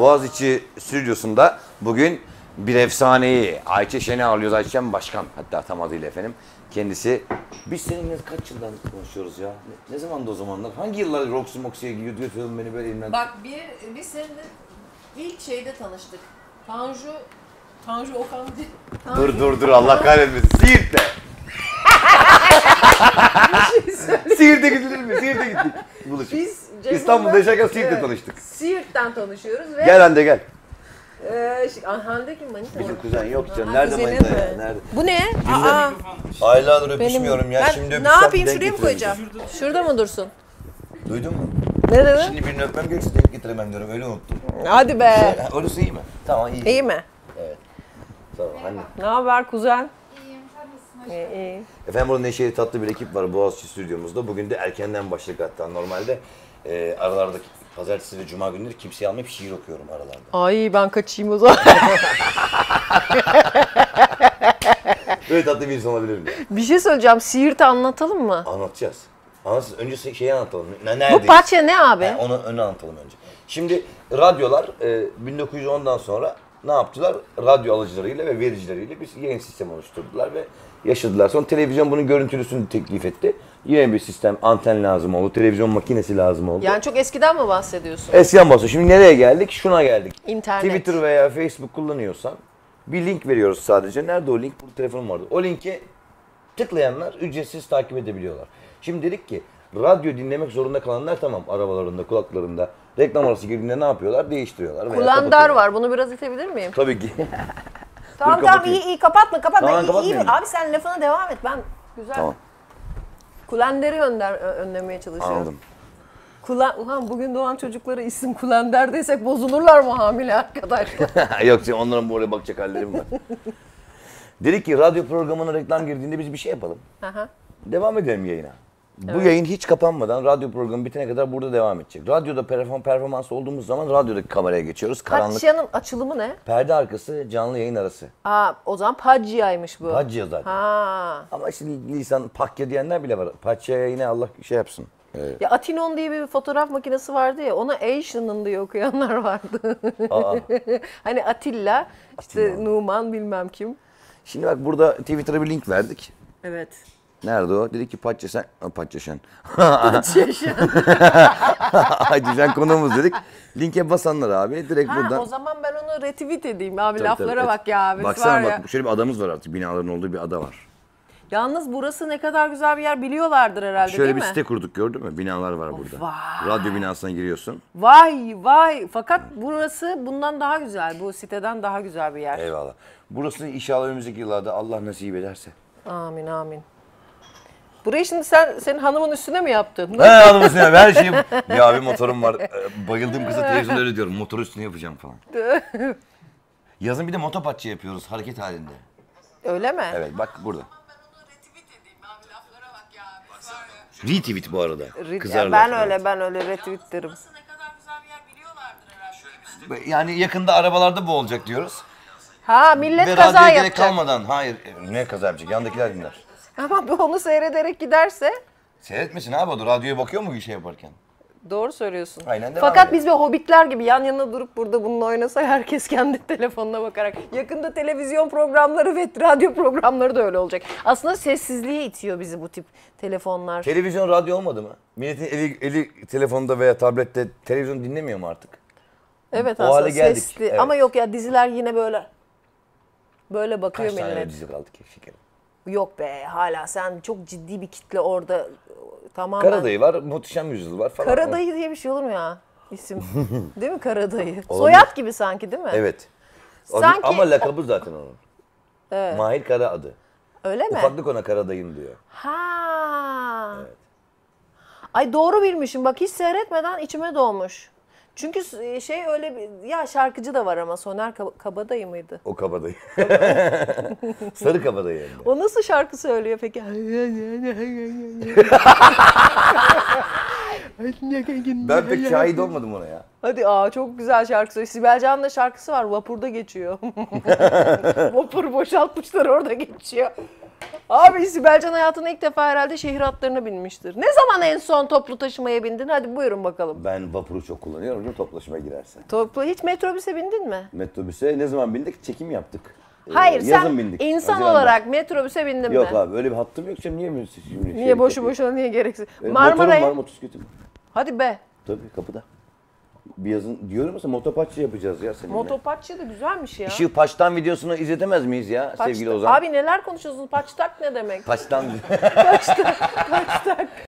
Boğaziçi stüdyosunda bugün bir efsaneyi Ayça Şen'i ağırlıyoruz. Ayça Başkan, hatta tam adıyla efendim. Kendisi, biz seninle kaç yıldan konuşuyoruz ya? Ne zamandı o zamanlar? Hangi yıllar Roxy Moxy'ye götürüyordun beni böyle elimden? Bak biz seninle ilk şeyde tanıştık. Tanju Okan değil. Dur Allah kahretmesin. Siirt'te. Siirt'e gidilir mi? Siirt'e gittik. Buluştuk. Biz İstanbul'da yaşarken Siirt'te tanıştık. Siirt'ten tanışıyoruz ve... Gel Hande gel. Hande kim, manita? Bizim kuzen yok canım. Nerede manita ya? Nerede? Bu ne? Aylardır öpüşmüyorum ya. Şimdi Ne öpüşsem yapayım, denk şuraya mı koyacağım? Şurada mı dursun? Duydun mu? Ne dedi? Şimdi birini öpmem gerekirse denk getiremem diyorum. Öyle unuttum. Hadi be. Orası iyi mi? Tamam iyi. İyi mi? Evet. Tamam Hande. Ne haber kuzen? İyiyim, sen nasılsın? İyi. Efendim burada neşeli tatlı bir ekip var Boğaziçi stüdyomuzda. Bugün de erkenden başladık hatta. Normalde aralardaki pazartesi ve cuma günleri kimseyi almayıp şiir okuyorum aralarda. Ay ben kaçayım o zaman. Böyle tatlı bir insan olabilir mi? Bir şey söyleyeceğim. Siirt'i anlatalım mı? Anlatacağız. Anlatacağız. Önce şeyi anlatalım. Neredeyiz? Bu parça ne abi? Yani onu anlatalım önce. Şimdi radyolar 1910'dan sonra ne yaptılar? Radyo alıcılarıyla ve vericileriyle bir yayın sistemi oluşturdular ve yaşadılar. Sonra televizyon bunun görüntülüsünü teklif etti. Yine bir sistem, anten lazım oldu, televizyon makinesi lazım oldu. Yani çok eskiden mi bahsediyorsun? Eskiden bahsediyor. Şimdi nereye geldik? Şuna geldik. İnternet. Twitter veya Facebook kullanıyorsan bir link veriyoruz sadece. Nerede o link? Burada telefonum vardı. O linke tıklayanlar ücretsiz takip edebiliyorlar. Şimdi dedik ki radyo dinlemek zorunda kalanlar tamam arabalarında, kulaklarında reklam arası girdiğinde ne yapıyorlar? Değiştiriyorlar. Kullandar var. Bunu biraz itebilir miyim? Tabii ki. Tamam iyi kapatma. Tamam, İyi. Abi sen lafına devam et. Ben güzel. Tamam. Kulender'i önlemeye çalışıyorum. Anladım. Ulan bugün doğan çocuklara isim Kulender desek bozulurlar mı hamile arkadaşlar? Yok canım, onların buraya bakacak hallerim var. Dedik ki radyo programına reklam girdiğinde biz bir şey yapalım. Aha. Devam edelim yayına. Bu yayın hiç kapanmadan radyo programı bitene kadar burada devam edecek. Radyoda performans olduğumuz zaman radyodaki kameraya geçiyoruz. Karanlık. Paçya'nın açılımı ne? Perde arkası, canlı yayın arası. O zaman Paçya'ymış bu. Paçya zaten. Ha. Ama şimdi lisan pakya diyenler bile var. Paçya'ya yine Allah şey yapsın. Ya Atinon diye bir fotoğraf makinesi vardı ya, ona Asian'ın diye okuyanlar vardı. Hani Atilla, işte Numan bilmem kim. Şimdi bak burada Twitter'a bir link verdik. Evet. Nerede o? Dedi ki Paçyaşen. Paçyaşen. Paçyaşen. Paçyaşen konuğumuz dedik. Linke basanlar abi direkt buradan. O zaman ben onu retweet edeyim abi, Tabii, laflara tabii. bak ya abi. Baksana bak şöyle bir adamız var artık. Binaların olduğu bir ada var. Yalnız burası ne kadar güzel bir yer biliyorlardır herhalde, Şöyle değil bir mi? site kurduk, gördün mü? Binalar var burada. Vay. Radyo binasına giriyorsun. Vay. Fakat burası bundan daha güzel. Bu siteden daha güzel bir yer. Eyvallah. Burası inşallah önümüzdeki yıllarda Allah nasip ederse. Amin. Burayı şimdi senin hanımın üstüne mi yaptın? He hanımın üstüne her şeyim. Ya bir motorum var. Bayıldığım kıza televizyonda öyle diyorum. Motor üstüne yapacağım falan. Yazın bir de motopatçı yapıyoruz hareket halinde. Öyle mi? Evet bak burada. Retweet bu arada. Ben öyle retweet derim. Yani yakında arabalarda bu olacak diyoruz. Millet Ve kaza radyoya gerek yapacak. kalmadan. Hayır ne kaza yapacak? Yandakiler dinler. Ama onu seyrederek giderse Seyretmesin abi o da. Radyoya bakıyor mu bir şey yaparken? doğru söylüyorsun. Aynen devam Fakat edelim. biz bir hobbitler gibi yan yana durup burada bununla oynasa herkes kendi telefonuna bakarak. Yakında televizyon programları ve radyo programları da öyle olacak. Aslında sessizliğe itiyor bizi bu tip telefonlar. Televizyon, radyo olmadı mı? Milletin eli telefonda veya tablette televizyon dinlemiyor mu artık? Evet O aslında hale geldik, sesli. evet. Ama yok ya, diziler yine böyle bakıyor Kaç tane millet. öyle dizi kaldı ki şekerim? Yok be, hala sen çok ciddi bir kitle orada tamamen. Karadayı var, Muhteşem Yüzyıl var falan. Karadayı diye bir şey olur mu ya? İsim. Değil mi Karadayı? Soyad gibi sanki, değil mi? Evet. Sanki- Ama lakabı zaten onun. Evet. Mahir Kara adı. Öyle mi? Ufaklık ona Karadayım diyor. Ha. Evet. Ay doğru bilmişim. Bak hiç seyretmeden içime doğmuş. Çünkü şey öyle bir ya, şarkıcı da var ama Soner Kabadayı mıydı? O kabadayı. Sarı kabadayı yani. O nasıl şarkı söylüyor peki? Ben pek şahit olmadım ona ya. Hadi çok güzel şarkı söylüyor. Sibel Can'ın da şarkısı var. Vapurda geçiyor. Vapur boşaltmışlar, orada geçiyor. Abi Sibelcan hayatında ilk defa herhalde şehir hatlarına binmiştir. Ne zaman en son toplu taşımaya bindin? Hadi buyurun bakalım. Ben vapuru çok kullanıyorum. Hocam toplaşıma girerse. Hiç metrobüse bindin mi? Metrobüse ne zaman bindik? Çekim yaptık. Hayır Yazın sen bindik. insan Haziran'da. olarak metrobüse bindin Yok mi? abi öyle bir hattım yok. Şimdi niye mi? Şimdi Niye boşu boşuna niye gereksiz? Motorum var, Marmara'ya. motosikletim. Hadi be. Tabii kapıda. Bir yazın diyorum mesela motopaççı yapacağız ya seninle. Motopaççı da güzelmiş ya. Işığı Paç'tan videosunu izletemez miyiz ya sevgili Ozan? Abi neler konuşuyorsunuz? Paçtak ne demek? Paç'tan Paçtak.